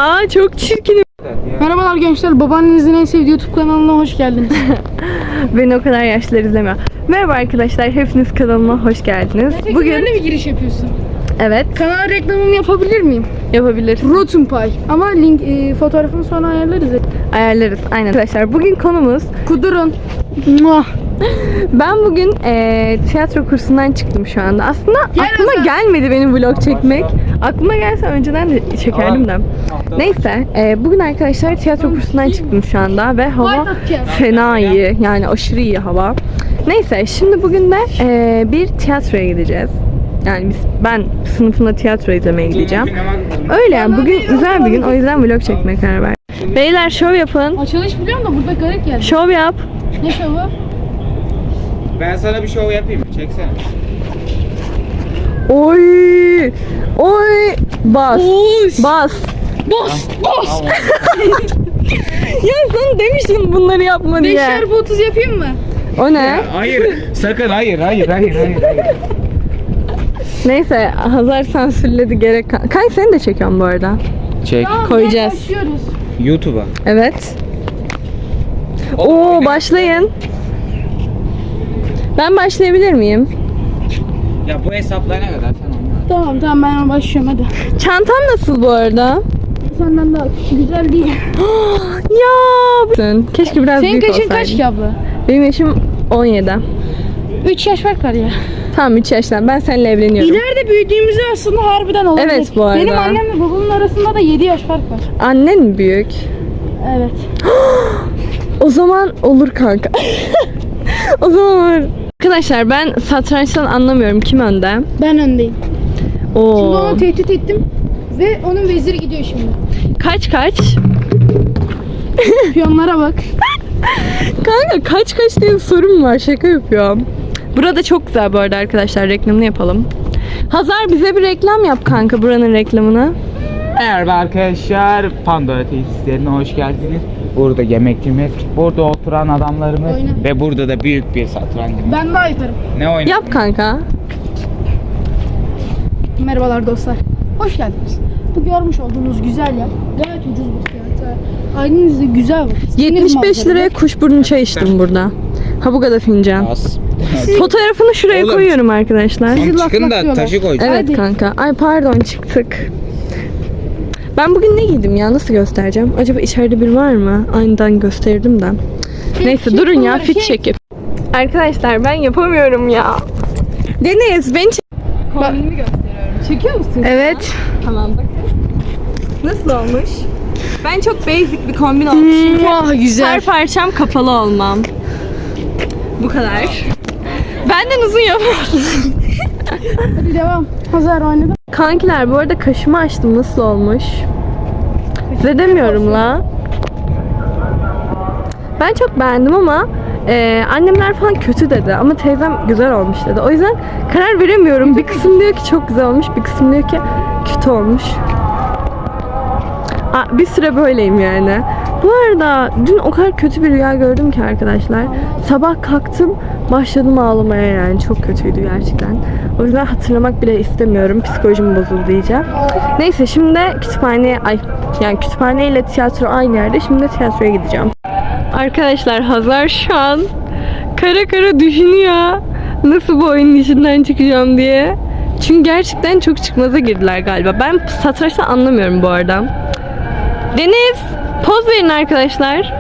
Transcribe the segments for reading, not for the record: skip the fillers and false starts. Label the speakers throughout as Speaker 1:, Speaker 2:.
Speaker 1: Aa çok çirkin.
Speaker 2: Merhabalar gençler, babaannenizin en sevdiği YouTube kanalına hoş geldiniz.
Speaker 1: Beni o kadar yaşlılar izlemiyor. Merhaba arkadaşlar, hepiniz kanalıma hoş geldiniz.
Speaker 2: Bugün öyle bir giriş yapıyorsun.
Speaker 1: Evet,
Speaker 2: Kanal reklamımı yapabilir miyim?
Speaker 1: yapabiliriz.
Speaker 2: Rotten Pie. Ama link fotoğrafını sonra ayarlarız.
Speaker 1: Ayarlarız. Aynen arkadaşlar. Bugün konumuz
Speaker 2: Kudurun. Muah.
Speaker 1: ben bugün tiyatro kursundan çıktım şu anda. Aslında aklıma gelmedi benim vlog çekmek. Aklıma gelse önceden de çekerdim de. Neyse, bugün arkadaşlar tiyatro kursundan çıktım şu anda ve hava fena iyi. Yani aşırı iyi hava. Neyse, şimdi bugün de bir tiyatroya gideceğiz. Yani ben sınıfımda tiyatro izlemeye gideceğim. Öyle yani, bugün güzel bir gün, o yüzden vlog çekmeye karar verdim. Beyler şov yapın.
Speaker 2: Açılış biliyorum da burada garip geldi.
Speaker 1: Şov yap.
Speaker 2: Ne şovu?
Speaker 3: Ben sana bir şov yapayım. Çeksene.
Speaker 1: Oy! Oy! Bas!
Speaker 2: Boş.
Speaker 1: Bas!
Speaker 2: Boş. Boş.
Speaker 1: Ya sana demiştim bunları yapma diye.
Speaker 2: 5x30 yapayım mı?
Speaker 1: O ne?
Speaker 3: Hayır. Sakın hayır.
Speaker 1: Neyse, Hazar sansürledi gerek. Kanka seni de çekiyorum bu arada.
Speaker 3: Çek.
Speaker 2: Tamam,
Speaker 1: Koyacağız.
Speaker 2: başlıyoruz.
Speaker 3: YouTube'a.
Speaker 1: Evet. Oo, başlayın. Ben başlayabilir miyim?
Speaker 3: Ya bu hesaplara kadar sen anla.
Speaker 2: Tamam ben başlıyorum hadi.
Speaker 1: Çantam nasıl bu arada?
Speaker 2: Senden daha güzel değil.
Speaker 1: Ya! Keşke biraz
Speaker 2: Senin
Speaker 1: büyük
Speaker 2: kaçın
Speaker 1: olsaydı.
Speaker 2: kaç ki abla?
Speaker 1: Benim yaşım 17.
Speaker 2: 3 yaş fark var ya.
Speaker 1: Tamam, 3 yaştan. Ben seninle evleniyorum.
Speaker 2: İleride büyüdüğümüzde aslında harbiden olabilir.
Speaker 1: Evet, bu arada.
Speaker 2: Benim annemle babamın arasında da 7 yaş fark var.
Speaker 1: Annen mi büyük?
Speaker 2: Evet.
Speaker 1: O zaman olur kanka. O zaman olur. Arkadaşlar ben satrançtan anlamıyorum. Kim önde?
Speaker 2: Ben öndeyim. Şimdi
Speaker 1: Oo.
Speaker 2: onu tehdit ettim. Ve onun veziri gidiyor şimdi.
Speaker 1: Kaç?
Speaker 2: Piyonlara bak.
Speaker 1: Kanka kaç diye bir sorum var. Şaka yapıyorum. Burada çok güzel bu arada arkadaşlar. Reklamını yapalım. Hazar bize bir reklam yap kanka, buranın reklamını.
Speaker 3: Merhaba arkadaşlar. Pandora tesislerine hoş geldiniz. Burada yemekçimiz, burada oturan adamlarımız
Speaker 2: Oyna.
Speaker 3: ve burada da büyük bir satrancımız.
Speaker 2: Ben daha yaparım.
Speaker 3: Ne oynuyor?
Speaker 1: Yap kanka.
Speaker 2: Merhabalar dostlar. Hoş geldiniz. Bu görmüş olduğunuz güzel yer gayet ucuz bir fiyata. Ailenizde güzel vakit.
Speaker 1: 75 liraya kuşburnu çay içtim burada. Ha bu kadar fincan.
Speaker 3: Az.
Speaker 1: Fotoğrafını şuraya
Speaker 3: Oğlum.
Speaker 1: koyuyorum arkadaşlar.
Speaker 2: Sizi
Speaker 3: Tamam, çıkın da
Speaker 2: laflıyorlar.
Speaker 3: taşı koyacağım.
Speaker 1: Evet
Speaker 2: Hadi.
Speaker 1: kanka. Ay pardon, çıktık. Ben bugün ne giydim ya? Nasıl göstereceğim? Acaba içeride bir var mı? Aniden gösterdim de. Neyse durun ya, fit çekip. Arkadaşlar ben yapamıyorum ya. Deniz ben kombinimi gösteriyorum. Çekiyor musun? Evet. Tamam bakın. Nasıl olmuş? Ben çok basic bir kombin olmuş. Çünkü
Speaker 2: güzel.
Speaker 1: her parçam kapalı olmam. Bu kadar. Benden uzun yapamazsın.
Speaker 2: Hadi devam. Hazır oynadım.
Speaker 1: Kankiler bu arada kaşımı açtım, nasıl olmuş? Size demiyorum la. Ben çok beğendim ama annemler falan kötü dedi ama teyzem güzel olmuş dedi. O yüzden karar veremiyorum. Bir kısım diyor ki çok güzel olmuş, bir kısım diyor ki kötü olmuş. Bir süre böyleyim yani. Bu arada dün o kadar kötü bir rüya gördüm ki arkadaşlar. Sabah kalktım, başladım ağlamaya yani. Çok kötüydü gerçekten. O yüzden hatırlamak bile istemiyorum. Psikolojim bozuldu diyeceğim. Neyse şimdi kütüphane ile tiyatro aynı yerde. Şimdi tiyatroya gideceğim. Arkadaşlar Hazar şu an kara düşünüyor. Nasıl bu oyunun içinden çıkacağım diye. Çünkü gerçekten çok çıkmaza girdiler galiba. Ben satrançtan anlamıyorum bu arada. Deniz, poz verin arkadaşlar.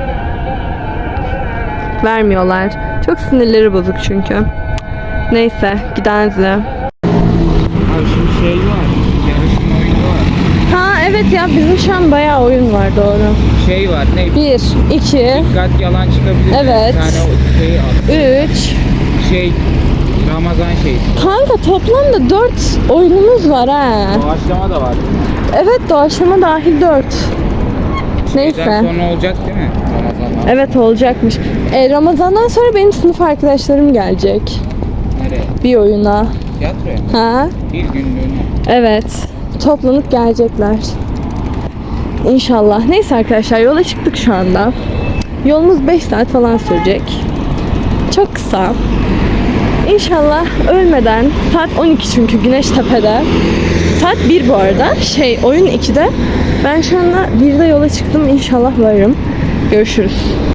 Speaker 1: Vermiyorlar. Çok sinirleri bozuk çünkü. Neyse, gidenizle.
Speaker 3: Abi şimdi şey var. Yarışma oyunu var.
Speaker 1: Ha evet ya, bizim şu an bayağı oyun var, doğru.
Speaker 3: Şey var. Ne?
Speaker 1: 1, 2,
Speaker 3: Dikkat yalan çıkabilir.
Speaker 1: Evet.
Speaker 3: Bir tane o şeyi al.
Speaker 1: 3.
Speaker 3: Şey. Ramazan şeyi.
Speaker 1: Kanka toplamda 4 oyunumuz var ha.
Speaker 3: Doğaçlama da var.
Speaker 1: Evet, doğaçlama dahil 4. Neyse.
Speaker 3: Şeyden sonra olacak değil mi? Ramazan'dan.
Speaker 1: Evet, olacakmış. Ramazan'dan sonra benim sınıf arkadaşlarım gelecek.
Speaker 3: Nereye?
Speaker 1: Bir oyuna.
Speaker 3: Tiyatroya mı?
Speaker 1: Ha?
Speaker 3: Bir günlüğüne.
Speaker 1: Evet. Toplanıp gelecekler. İnşallah. Neyse arkadaşlar, yola çıktık şu anda. Yolumuz 5 saat falan sürecek. Çok kısa. İnşallah ölmeden, saat 12 çünkü güneş tepede. Saat 1 bu arada. Oyun 2'de. Ben şu anda 1'de yola çıktım. İnşallah varırım. Görüşürüz.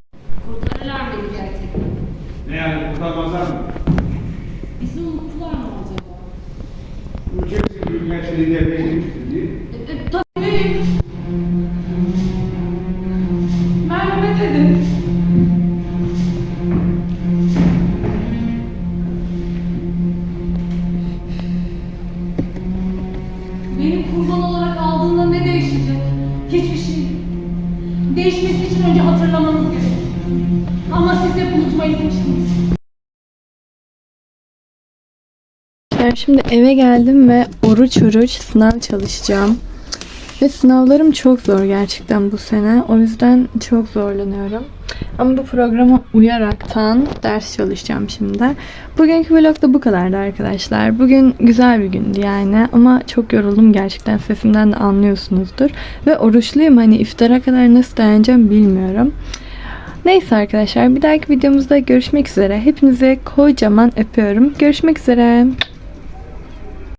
Speaker 4: Ne yani kurtarmazlar mı?
Speaker 2: Bizi unuttular mı acaba?
Speaker 4: Ülkemizin büyükelçiliği devreye girmiştir diye.
Speaker 2: Tabii. Merhamet edin. Beni kurban olarak aldığında ne değişecek? Hiçbir şey. Değişmesi için önce hatırlamanız gerek. Ama siz hep unutmayı seçtiniz.
Speaker 1: Şimdi eve geldim ve oruç oruç sınav çalışacağım. Ve sınavlarım çok zor gerçekten bu sene. O yüzden çok zorlanıyorum. Ama bu programa uyaraktan ders çalışacağım şimdi. Bugünkü vlog da bu kadardı arkadaşlar. Bugün güzel bir gündü yani. Ama çok yoruldum gerçekten. Sesimden de anlıyorsunuzdur. Ve oruçluyum. Hani iftara kadar nasıl dayanacağım bilmiyorum. Neyse arkadaşlar. Bir dahaki videomuzda görüşmek üzere. Hepinize kocaman öpüyorum. Görüşmek üzere.